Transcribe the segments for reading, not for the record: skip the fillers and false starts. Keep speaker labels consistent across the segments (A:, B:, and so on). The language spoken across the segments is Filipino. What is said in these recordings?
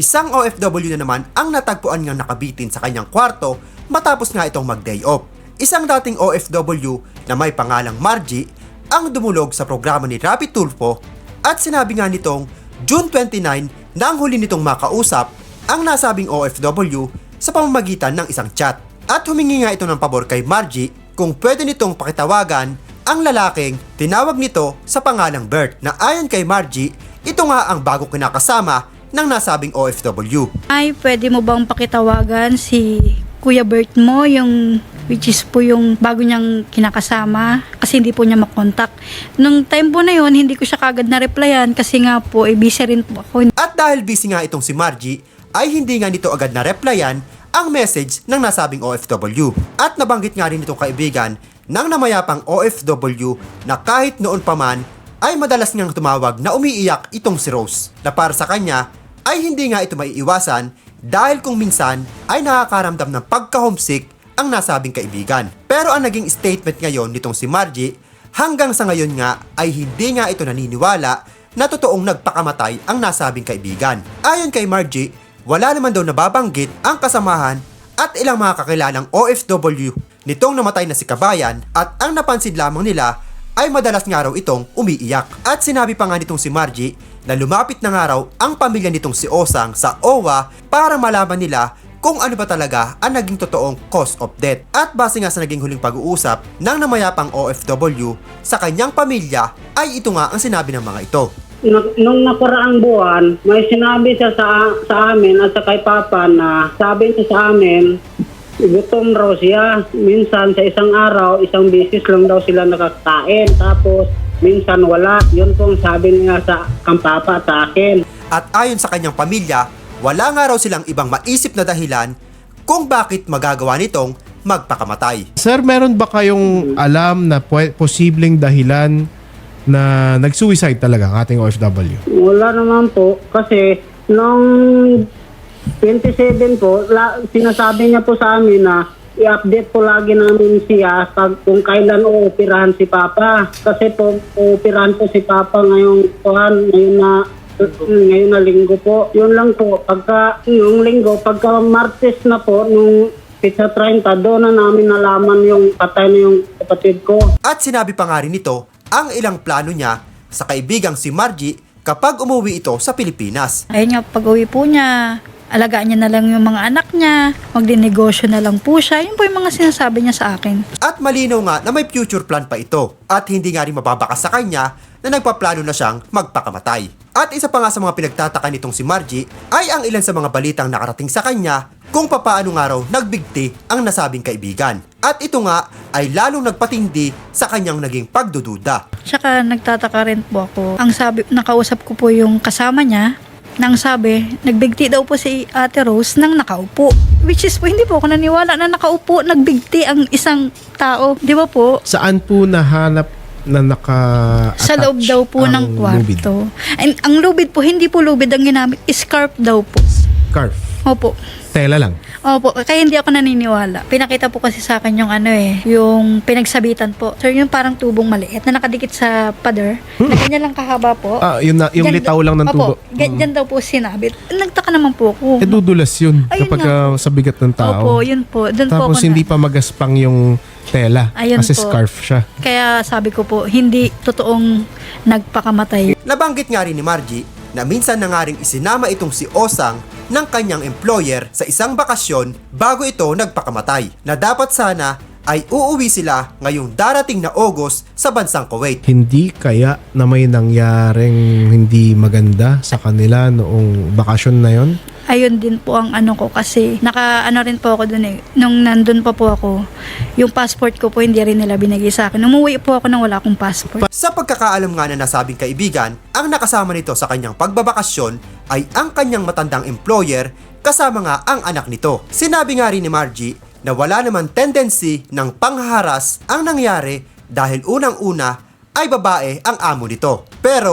A: Isang OFW na naman ang natagpuan ngang nakabitin sa kanyang kwarto matapos nga itong mag-day off. Isang dating OFW na may pangalang Margie ang dumulog sa programa ni Rapi Tulfo at sinabi nga nitong June 29 na ang huli nitong makausap ang nasabing OFW sa pamamagitan ng isang chat. At humingi nga ito ng pabor kay Margie kung pwede nitong pakitawagan ang lalaking tinawag nito sa pangalang Bert na ayon kay Margie, ito nga ang bago kinakasama ng nasabing OFW.
B: Ay, pwede mo bang pakitawagan si Kuya Bert mo, which is po yung bago niyang kinakasama kasi hindi po niya makontak. Nung time po na yon, hindi ko siya kagad na-replyan kasi nga po, busy rin po ako.
A: At dahil busy nga itong si Margie, ay hindi nga nito agad na-replyan ang message ng nasabing OFW. At nabanggit nga rin itong kaibigan ng namayapang OFW na kahit noon pa man ay madalas ngang tumawag na umiiyak itong si Rose, na para sa kanya ay hindi nga ito maiiwasan dahil kung minsan ay nakakaramdam ng pagka-homesick ang nasabing kaibigan. Pero ang naging statement ngayon nitong si Margie, hanggang sa ngayon nga ay hindi nga ito naniniwala na totoong nagpakamatay ang nasabing kaibigan. Ayon kay Margie, wala naman daw nababanggit ang kasamahan at ilang mga kakilanang OFW nitong namatay na si Kabayan, at ang napansin lamang nila ay madalas nga raw itong umiiyak. At sinabi pa nga nitong si Margie na lumapit na nga raw ang pamilya nitong si Osang sa OWA para malaman nila kung ano ba talaga ang naging totoong cause of death. At base nga sa naging huling pag-uusap ng namayapang OFW sa kanyang pamilya ay ito nga ang sinabi ng mga ito.
C: Nung nakaraang buwan, may sinabi siya sa amin at sa kay Papa na sabi niya sa amin, gutom raw siya. Minsan sa isang araw, isang beses lang daw sila nakakain. Tapos minsan wala. Yun pong sabi niya sa kang Papa at sa akin.
A: At ayon sa kanyang pamilya, wala nga raw silang ibang maisip na dahilan kung bakit magagawa nitong magpakamatay.
D: Sir, meron ba kayong alam na posibleng dahilan na nag-suicide talaga ang ating OFW?
C: Wala naman po. Kasi nung 27 po, sinasabi niya po sa amin na i-update po lagi namin siya kung kailan uoperahan si Papa. Kasi po, uoperahan po si Papa ngayon na linggo po. Yun lang po. Yung linggo, pagka Martes na po, nung pizza 30, doon na namin nalaman yung patay na yung kapatid ko.
A: At sinabi pa nga rin nito ang ilang plano niya sa kaibigang si Margie kapag umuwi ito sa Pilipinas.
B: Ayun nga, pag-uwi po niya, alagaan niya na lang yung mga anak niya, magdinegosyo na lang po siya. Yun po yung mga sinasabi niya sa akin.
A: At malinaw nga na may future plan pa ito at hindi nga rin mababakas sa kanya na nagpaplano na siyang magpakamatay. At isa pa nga sa mga pinagtataka nitong si Margie ay ang ilan sa mga balitang nakarating sa kanya kung papaano nga raw nagbigti ang nasabing kaibigan. At ito nga ay lalong nagpatindi sa kanyang naging pagdududa.
B: Tsaka nagtataka rin po ako. Ang sabi, nakausap ko po yung kasama niya, nang sabi, nagbigti daw po si Ate Rose nang nakaupo. Which is po, hindi po ako naniwala na nakaupo, nagbigti ang isang tao. Di ba po?
D: Saan po nahanap na naka-attach
B: Sa loob daw po ng
D: lubid?
B: kwarto. And ang lubid po, hindi po lubid ang ginamit. Scarf daw po.
D: Scarf?
B: Opo.
D: Tela lang?
B: Opo, kaya hindi ako naniniwala. Pinakita po kasi sa akin yung yung pinagsabitan po. Sir, yung parang tubong maliit na nakadikit sa pader. Na ganyan lang kahaba po.
D: Yung litaw lang ng tubo.
B: Opo, ganyan daw po sinabit. Nagtaka naman po ako.
D: Dudulas yun
B: Ayun
D: kapag
B: nga po.
D: sa bigat ng tao.
B: Opo, yun po. Doon po
D: Tapos
B: ako
D: hindi pa magaspang yung tela.
B: Ayun
D: kasi
B: po.
D: scarf siya.
B: Kaya sabi ko po, hindi totoong nagpakamatay.
A: Nabanggit nga rin ni Margie na minsan na nga rin isinama itong si Osang ng kanyang employer sa isang bakasyon bago ito nagpakamatay, na dapat sana ay uuwi sila ngayong darating na August sa bansang Kuwait.
D: Hindi kaya na may nangyaring hindi maganda sa kanila noong bakasyon na yon?
B: Ayun din po ang ko kasi rin po ako dun eh. Nung nandun pa po ako, yung passport ko po hindi rin nila binigay sa akin. Umuwi po ako nang wala akong passport.
A: Sa pagkakaalam nga na nasabing kaibigan, ang nakasama nito sa kanyang pagbabakasyon ay ang kanyang matandang employer kasama nga ang anak nito. Sinabi nga rin ni Margie na wala naman tendency ng panghaharas ang nangyari dahil unang-una ay babae ang amo nito. Pero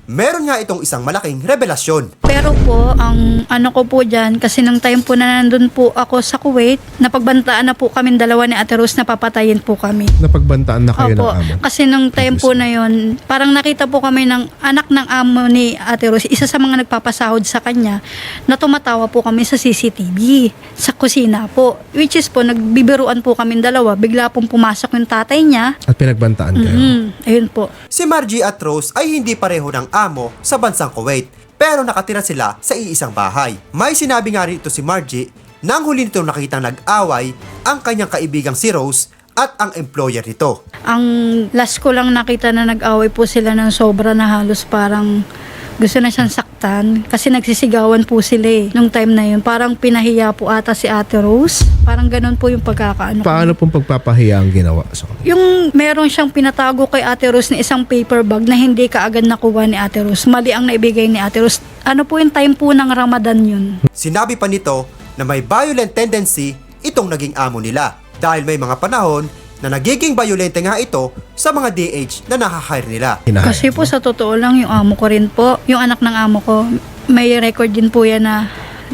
A: meron nga itong isang malaking revelasyon.
B: Pero po, ang ano ko po dyan, kasi nung time po na nandun po ako sa Kuwait, napagbantaan na po kami dalawa ni Ate Rose na papatayin po kami.
D: Napagbantaan na kayo
B: Opo,
D: ng amo.
B: kasi nung time po na yon, parang nakita po kami ng anak ng amo ni Ate Rose, isa sa mga nagpapasahod sa kanya, na tumatawa po kami sa CCTV, sa kusina po. Which is po, nagbibiruan po kami dalawa, bigla pong pumasok yung tatay niya.
D: At pinagbantaan kayo.
B: Ayun po.
A: Si Margie at Rose ay hindi pareho ng amo sa bansang Kuwait, pero nakatira sila sa iisang bahay. May sinabi nga rin ito si Margie nang huli nito nakitang nag-away ang kanyang kaibigang si Rose at ang employer nito.
B: Ang last ko lang nakita na nag-away po sila ng sobra na halos parang gusto na siyang saktan kasi nagsisigawan po sila nung time na yun. Parang pinahiya po ata si Ate Rose. Parang ganun po yung pagkakaano.
D: Paano pong pagpapahiya ang ginawa?
B: Yung meron siyang pinatago kay Ate Rose na isang paper bag na hindi kaagad nakuha ni Ate Rose. Mali ang naibigay ni Ate Rose. Ano po yung time po ng Ramadan yun?
A: Sinabi pa nito na may violent tendency itong naging amo nila dahil may mga panahon na nagiging violente nga ito sa mga DH na nakahire nila.
B: Kasi po sa totoo lang yung amo ko rin po, yung anak ng amo ko, may record din po yan na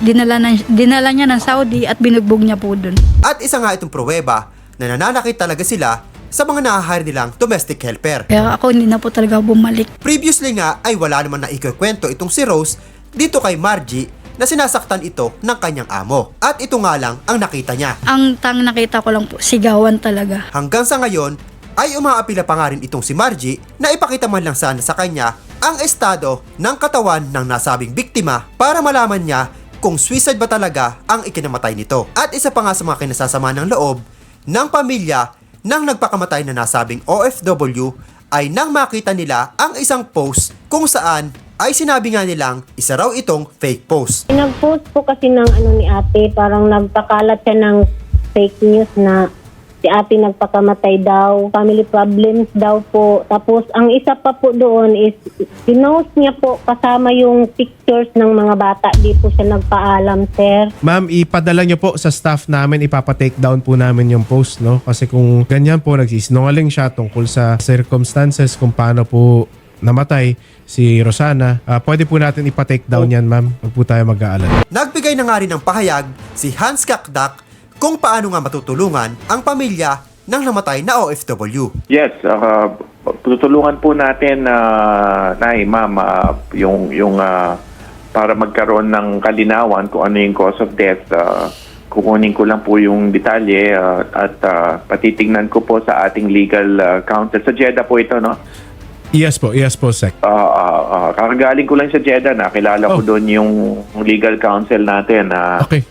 B: dinala niya ng Saudi at binugbog niya po dun.
A: At isa nga itong pruweba na nananakit talaga sila sa mga nakahire nilang domestic helper.
B: Kaya ako hindi na po talaga bumalik.
A: Previously nga ay wala naman na ikikwento itong si Rose dito kay Margie na sinasaktan ito ng kanyang amo. At ito nga lang ang nakita niya.
B: Ang nakita ko lang po, sigawan talaga.
A: Hanggang sa ngayon ay umaapila pa nga rin itong si Margie na ipakita man lang sana sa kanya ang estado ng katawan ng nasabing biktima para malaman niya kung suicide ba talaga ang ikinamatay nito. At isa pa nga sa mga kinasasama ng loob ng pamilya ng nagpakamatay na nasabing OFW ay nang makita nila ang isang post kung saan ay sinabi nga nilang isa raw itong fake post.
E: Nag-post po kasi ng ni ate, parang nagpakalat siya ng fake news na si ate nagpakamatay daw, family problems daw po. Tapos ang isa pa po doon is, pinost niya po kasama yung pictures ng mga bata. Di po siya nagpaalam, sir.
D: Ma'am, ipadala nyo po sa staff namin, ipapa-take down po namin yung post, no? Kasi kung ganyan po, nagsisinungaling siya tungkol sa circumstances kung paano po namatay si Rosana, pwede po natin ipa-take down yan, ma'am. Huwag po tayo mag-aalala.
A: Nagbigay na nga rin ng pahayag si Hans Kakdak kung paano nga matutulungan ang pamilya ng namatay na OFW.
F: Yes, tutulungan po natin ma'am, yung para magkaroon ng kalinawan kung ano yung cause of death. Kukunin ko lang po yung detalye at patitignan ko po sa ating legal counsel. Sa Jeddah po ito, no?
D: Yes po, Sec.
F: Kakagaling ko lang sa Jeddah, nakilala ko doon yung legal counsel natin.
D: Okay.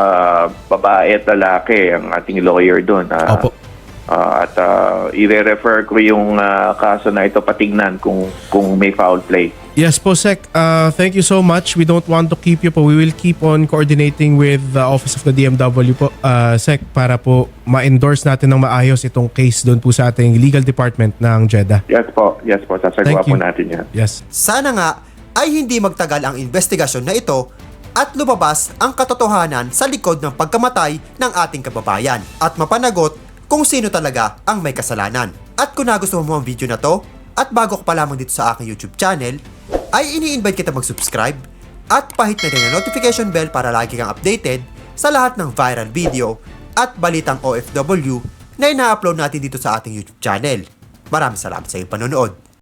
F: Babae at lalaki ang ating lawyer doon.
D: Opo.
F: At i-refer ko yung kaso na ito patignan kung may foul play.
D: Yes po, Sec. Thank you so much. We don't want to keep you po. We will keep on coordinating with the Office of the DMW po, Sec, para po ma-endorse natin ng maayos itong case doon po sa ating legal department ng Jeddah.
F: Yes po. Sasagawa
D: Thank you.
F: po natin yan.
D: Yes.
A: Sana nga ay hindi magtagal ang investigasyon na ito at lumabas ang katotohanan sa likod ng pagkamatay ng ating kababayan at mapanagot kung sino talaga ang may kasalanan. At kung nagustuhan mo ang video na to at bago ka pa lamang dito sa aking YouTube channel, ay ini-invite kita mag-subscribe at pahit na din ang notification bell para lagi kang updated sa lahat ng viral video at balitang OFW na ina-upload natin dito sa ating YouTube channel. Maraming salamat sa iyong panonood.